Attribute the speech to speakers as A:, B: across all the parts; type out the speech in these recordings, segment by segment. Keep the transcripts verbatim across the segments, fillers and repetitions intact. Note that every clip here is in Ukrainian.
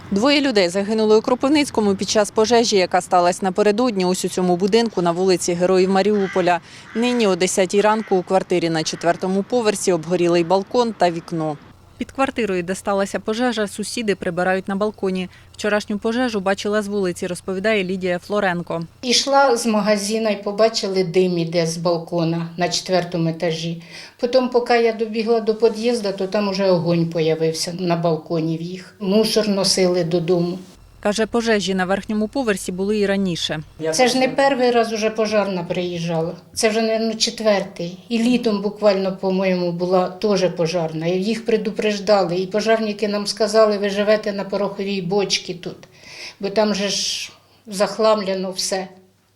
A: Двоє людей загинули у Кропивницькому під час пожежі, яка сталася напередодні ось у цьому будинку на вулиці Героїв Маріуполя. Нині о десятій ранку у квартирі на четвертому поверсі обгорілий балкон та вікно. Під квартирою, де сталася пожежа, сусіди прибирають на балконі. Вчорашню пожежу бачила з вулиці, розповідає Лідія Флоренко.
B: Ішла з магазину і побачили дим іде з балкона на четвертому етажі. Потім, поки я добігла до під'їзду, то там уже огонь з'явився на балконі в їх. Мусор носили додому.
A: Каже, пожежі на верхньому поверсі були і раніше.
B: Це ж не перший раз уже пожарна приїжджала. Це вже, мабуть, четвертий. І літом буквально, по-моєму, була теж пожарна. І їх предупреждали. І пожарники нам сказали, ви живете на пороховій бочці тут. Бо там же ж захламлено все.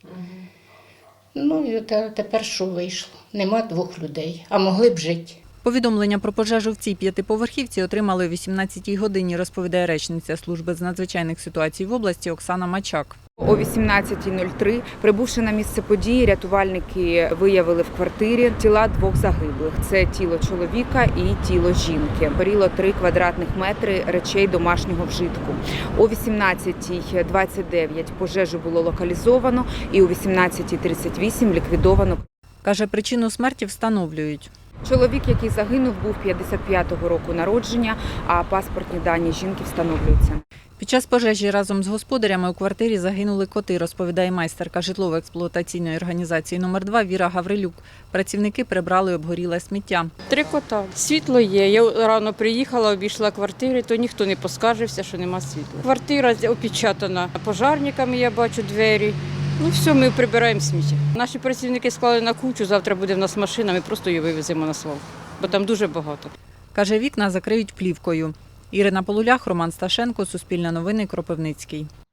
B: Ну і тепер що вийшло? Нема двох людей, а могли б жити.
A: Повідомлення про пожежу в цій п'ятиповерхівці отримали о вісімнадцятій годині, розповідає речниця служби з надзвичайних ситуацій в області Оксана Мачак.
C: О вісімнадцятій нуль три, прибувши на місце події, рятувальники виявили в квартирі тіла двох загиблих. Це тіло чоловіка і тіло жінки. Горіло три квадратних метри речей домашнього вжитку. О вісімнадцятій двадцять дев'ять пожежу було локалізовано і о вісімнадцятій тридцять вісім ліквідовано.
A: Каже, причину смерті встановлюють.
C: Чоловік, який загинув, був п'ятдесят п'ятого року народження, а паспортні дані жінки встановлюються.
A: Під час пожежі разом з господарями у квартирі загинули коти, розповідає майстерка житлово-експлуатаційної організації номер два Віра Гаврилюк. Працівники прибрали обгоріле сміття.
D: Три кота. Світло є. Я рано приїхала, обійшла квартири, то ніхто не поскаржився, що нема світла. Квартира опечатана пожарниками, я бачу двері. Ну все, ми прибираємо сміття. Наші працівники склали на кучу, завтра буде в нас машина, ми просто її вивеземо на свалку, бо там дуже багато.
A: Каже, вікна закриють плівкою. Ірина Полулях, Роман Сташенко, Суспільне новини, Кропивницький.